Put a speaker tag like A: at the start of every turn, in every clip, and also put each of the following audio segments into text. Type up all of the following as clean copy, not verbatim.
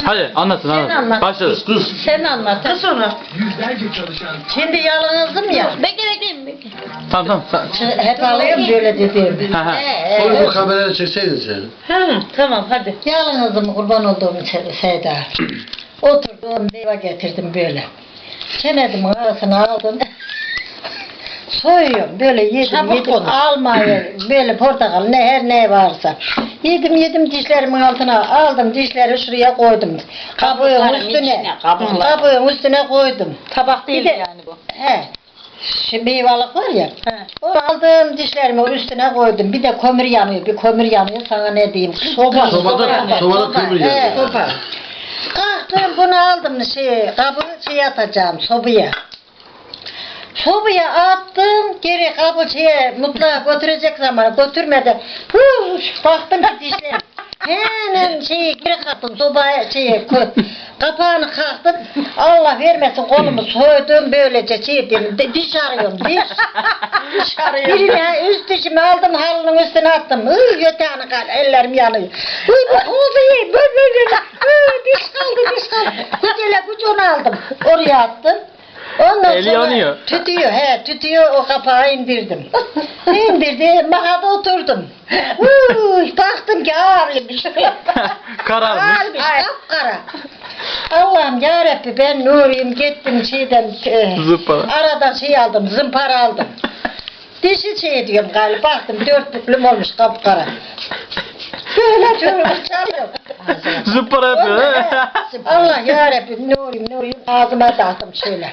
A: Hadi anlatın
B: Sen
A: anlatın.
B: anlat.
A: Başladı.
B: Sen anlat. Kız sonra. Şimdi yalnızdım ya.
C: Bekle.
A: Tamam.
B: Hep alıyorum böyle dediğim.
A: Ha, ha.
D: Onu bu kameraya çekseydin sen.
B: Ha, tamam hadi. Yalnızdım kurban olduğum Seda. Oturdum meyve getirdim böyle. Çenedim arasına aldım. Soyuyorum böyle yedim almayı böyle portakal ne her ne varsa. Yedim dişlerimin altına aldım dişleri şuraya koydum. Kabuğun üstüne. Kabuğun üstüne koydum.
C: Tabak değil
B: Bir de-
C: yani bu.
B: He. Şu meyvalık var ya. Onu aldım dişlerimi üstüne koydum. Bir de kömür yanıyor. Bir kömür yanıyor sana ne diyeyim. Soba.
D: Sobada kömür
B: He,
D: yanıyor.
B: soba. Kalktım bunu aldım kabı atacağım sobaya. Sobaya attım geri kabı mutfağa götürecek zaman götürmedi. Baktım ki dişlerim. Hemen geri kalktım sobaya kapağını kalktım. Allah vermesin kolumu soydum böylece dedim. Diş arıyorum diş arıyorum. Birine üst dişimi aldım halının üstüne attım. Yatağını kal ellerim yanıyor. Bu oldu iyi böyle. Diş kaldı. Gücünü aldım. Oraya attım. Ondan
A: Eli
B: sonra
A: yanıyor.
B: tütüyor o kapağı indirdim. İndirdim, makada oturdum. Baktım ki ağrıymış.
A: Kararmış.
B: Ağrıymış, kapkara. Allah'ım yarabbi ben Nuri'yim gittim
A: Zımpara.
B: aradan aldım, zımpara aldım. Dişi diyorum galiba, baktım 4 büklüm olmuş kapkara. Böyle çalıyor.
A: Zımpara yapıyor. ha?
B: Allah yarabbim Nuri'yim ağzıma dağıttım şöyle.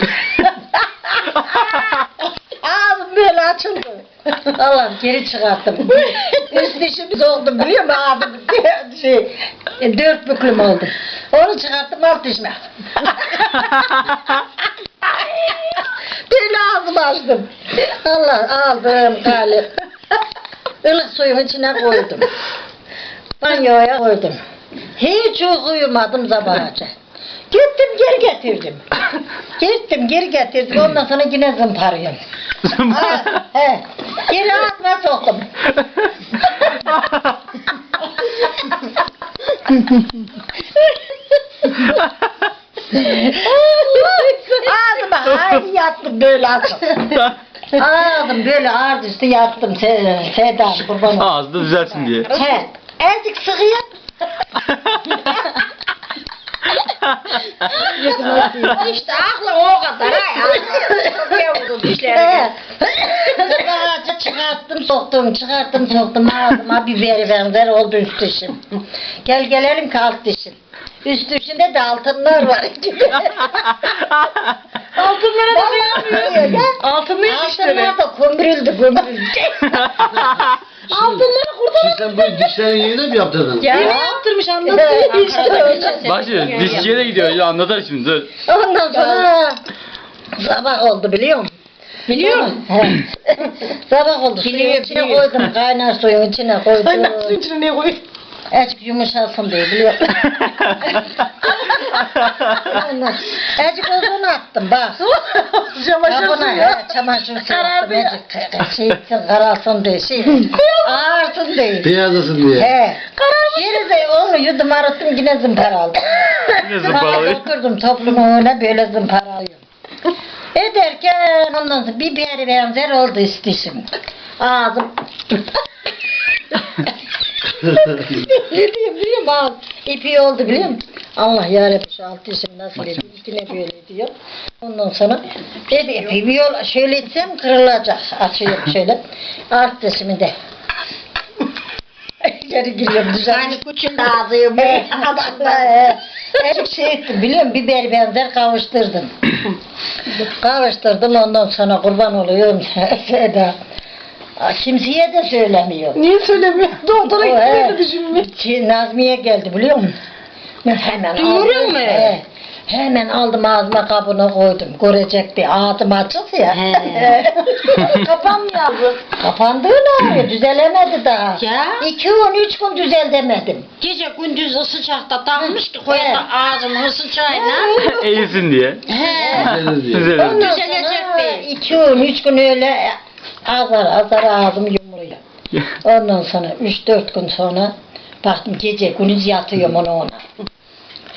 B: Ağzım böyle açıldı. Allah'ım geri çıkarttım. Üst dişimiz oldu biliyor musun ağzım? 4 büklüm oldu. Onu çıkarttım alt dişime. Böyle ağzımı açtım. Allah aldım galip. Ilık suyun içine koydum. Banyoya koydum. Hiç uyumadım sabahaca. Gittim geri getirdim. Ondan sonra yine zımparıyorum. He. Geri ağzıma soktum. Ağzıma haydi yattım böyle açtım. Ağzım böyle ağrı üstü yattım Seda kurban olsun.
A: Ağzı da düzelsin diye.
B: He. Azıcık sıkıyım.
C: İşte aklı o kadar.
B: Ağacı çıkarttım soktum ağzıma biberi benzer oldu üst dişim. Gelelim ki alt dişim. Üst dişinde de altınlar var.
C: Altınlara da yapmıyor ya.
B: Altınlar da kömürüldü.
C: Altınları kurtar.
D: Şimdi sen bu dişlerin yerine mi yaptırdın?
C: Yine yaptırmış anlatıyor.
A: Başlıyor. Dişçiye de gidiyor. Ya anlatar şimdi dur.
B: Ondan sonra sabah oldu biliyor musun?
C: Biliyor musun?
B: Sabah oldu. Suyun içine koydum. Kaynar suyun içine koydum.
C: Kaynar suyun içine ne koyuyor?
B: Azıcık yumuşasın diye biliyor musun? Azıcık uzun attım bak.
C: Çamaşır suyu.
B: Çamaşır suyu.
C: Karardı ya.
B: Karalsın diye ağırsın diye.
D: Beyazlasın diye.
B: He. Geri de onu yudum arıttım yine zımpara aldım.
A: Yine zımparalıyor.
B: Oturdum toplumun önüne böyle zımparalıyorum. Ederken ondan sonra bir benzer oldu istişim. Ağzım. Ne diyeyim biliyor musun? Ağzım ipi oldu biliyor musun? Allah yarabbim şu alt dişim nasıl ediyor? Yine böyle diyor. Ondan sonra dedi ipi bir yol şöyle etsem kırılacak. Açıyorum şöyle. Alt dişimi de. İçeri giriyorum düzenli.
C: Aynı kuçun ağzıyım.
B: Her ettim biliyor musun? Biber benzer kavuşturdum. Kavuşturdum ondan sonra kurban oluyorum Seda. Kimseye de söylemiyor.
C: Niye söylemiyor? Doktora gitmedi düşünmüyor.
B: Nazmiye geldi biliyor musun? Hemen
C: Duyuruyor mu?
B: Hemen aldım ağzıma kabına koydum. Görecekti. Ağzım açık ya.
C: Kapanmıyor.
B: Kapandığını düzelemedi daha.
C: Ya.
B: 2 gün 3 gün düzel demedim.
C: Gece gündüz sıcakta takmış ki koydu ağzımın sıcağıyla.
A: Eğilsin diye.
C: He.
D: Düzelir diye.
A: Düzelir.
B: Ondan
C: Düzelecek
B: sonra
C: değil.
B: 2 gün 3 gün öyle azar ağzım yumruyor. Ondan sonra 3-4 gün sonra baktım gece gündüz yatıyorum ona.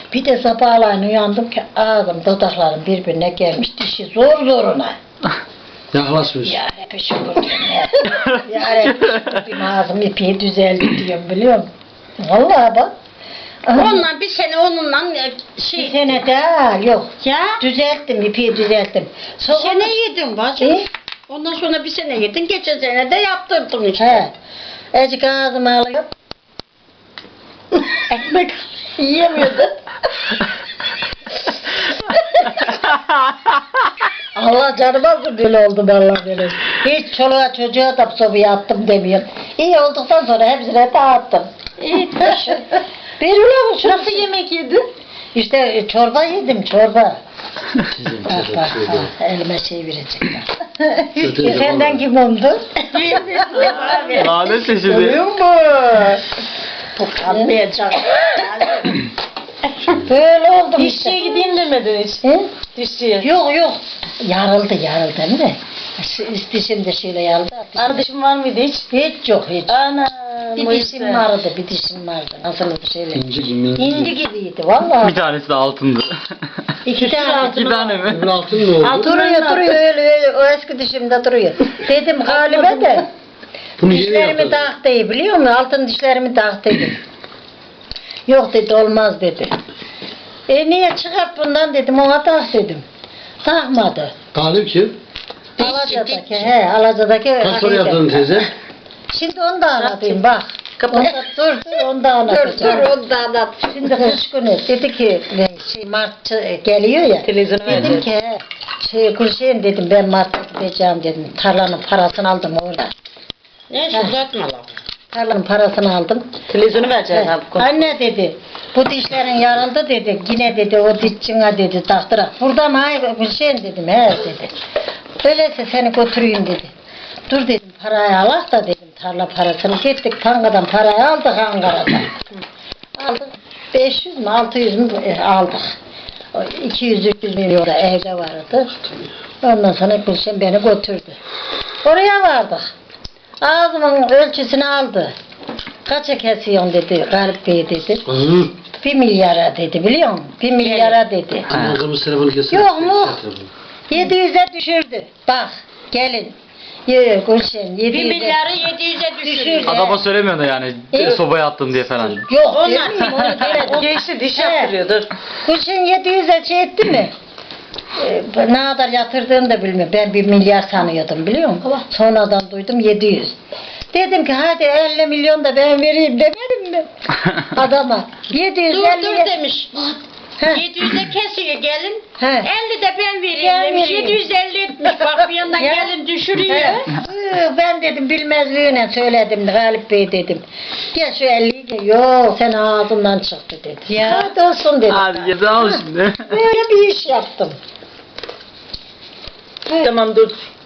B: Bir de sabahleyin uyandım ki ağzım dudaklarım birbirine gelmiş. Dişi zor zoruna.
D: Yaklaşmış.
B: Ya hep şükür diyorum ya. Ya hep şükür diyorum ağzım ipi düzeldi diyorum biliyor musun? Vallahi bak.
C: Onunla bir sene onunla
B: Bir
C: şey
B: sene daha yok.
C: ya
B: Düzelttim ipi düzelttim.
C: bir sene yedin bacım.
B: E?
C: Ondan sonra bir sene yedin. Geçen sene de yaptırdım işte.
B: He. Ecik ağzıma alıyor. Ekmek yiyemiyordu. Allah canım alsın böyle oldu vallahi böyle. Hiç çoluğa çocuğa da sobaya attım demiyorum. İyi olduktan sonra hepsine dağıttım.
C: İyi.
B: Veriyor musun? Nasıl yemek yedin? İşte çorba yedim çorba.
D: Sizin
B: Bak
D: çocuk
B: bak
D: şöyle.
B: elime şey verecekler.
D: Kötü
B: Senden
D: zaman.
B: kim oldu?
A: Lanet şimdi.
B: mu?
C: Anlayacak.
B: Böyle oldum işte.
E: Dişçiye gideyim demedin hiç.
B: He?
E: Dişçiye.
B: Yok yok. Yarıldı değil mi? Dişim de şöyle yarıldı.
E: Arkadaşım var mıydı hiç?
B: Hiç yok hiç.
E: Ana.
B: Bir dişim vardı, bir dişim vardı. Nasıl şöyle.
D: İnci gibi.
B: İnci gibiydi vallahi.
A: Bir tanesi de altındı.
B: İki tane.
A: İki tane mi?
D: Öbür altın ne oldu?
B: Duruyor öyle o eski dişimde duruyor. Dedim Galip'e de
D: Bunu yeni
B: dişlerimi
D: yaptırdın.
B: taktıydı biliyor musun? Altın dişlerimi taktıydı. Yok dedi olmaz dedi. Niye çıkart bundan dedim ona tak dedim. Takmadı.
D: Galip kim?
B: Alaca'daki Alaca'daki
D: Kaç para yaptın teyze?
B: Şimdi onu da anlatayım bak. Onda, dur onu da anlatacağım.
C: onu da anlat.
B: Şimdi kış günü dedi ki Mart geliyor ya.
E: Televizyonu
B: Dedim ki Gülşen dedim ben Mart'ta gideceğim dedim. Tarlanın parasını aldım orada.
C: Neyse uzatma lan.
B: Tarlanın parasını aldım.
E: Televizyonu vereceğiz
B: He,
E: abi.
B: Anne dedi bu dişlerin yarıldı dedi. Yine dedi o dişçine dedi taktıra. Burada mı ay Gülşen dedim he dedi. Öyleyse seni götüreyim dedi. Dur dedim parayı alak da dedim tarla parasını. Gittik bankadan parayı aldık Ankara'dan. Aldık 500 mü 600 mü aldık. 200-300 milyon da evde vardı. Ondan sonra Gülşen beni götürdü. Oraya vardık. Ağzımın ölçüsünü aldı. Kaça kesiyorsun dedi Galip Bey dedi.
D: Hı.
B: 1 milyara dedi biliyor musun? 1 milyara dedi.
D: Ama kırmızı telefonu kesin.
B: Yok mu? 700'e düşürdü. Bak gelin. Yok Gülşen
C: 1
B: 700'e.
C: milyarı 700'e düşürdü.
B: Düşürdü.
A: Adama söylemiyorsun da yani
B: Evet.
A: sobaya attım diye falan.
B: Yok
C: Onlar-
B: demeyeyim onu demedim.
E: Geçti diş
B: He.
E: yaptırıyordur.
B: Gülşen 700'e şey etti mi? Ne kadar yatırdığını da bilmiyorum. Ben 1 milyar sanıyordum biliyor musun? Sonradan duydum 700. Dedim ki hadi 50 milyon da ben vereyim demedim mi? Adama. 750
C: Dur demiş.
B: He.
C: 700'e kesiyor gelin.
B: He.
C: 50 de ben vereyim
B: Ben
C: demiş.
B: vereyim.
C: 750 etmiş. Bak bir yandan
B: Ya.
C: gelin düşürüyor.
B: He. Ben dedim bilmezliğine söyledim Galip Bey dedim. Gel şu 50'yi gel. Yok sen ağzından çıktı dedi.
C: Ya.
B: Hadi olsun dedim.
A: Hadi gel al şimdi.
B: Böyle bir iş yaptım.
E: Tamam dur.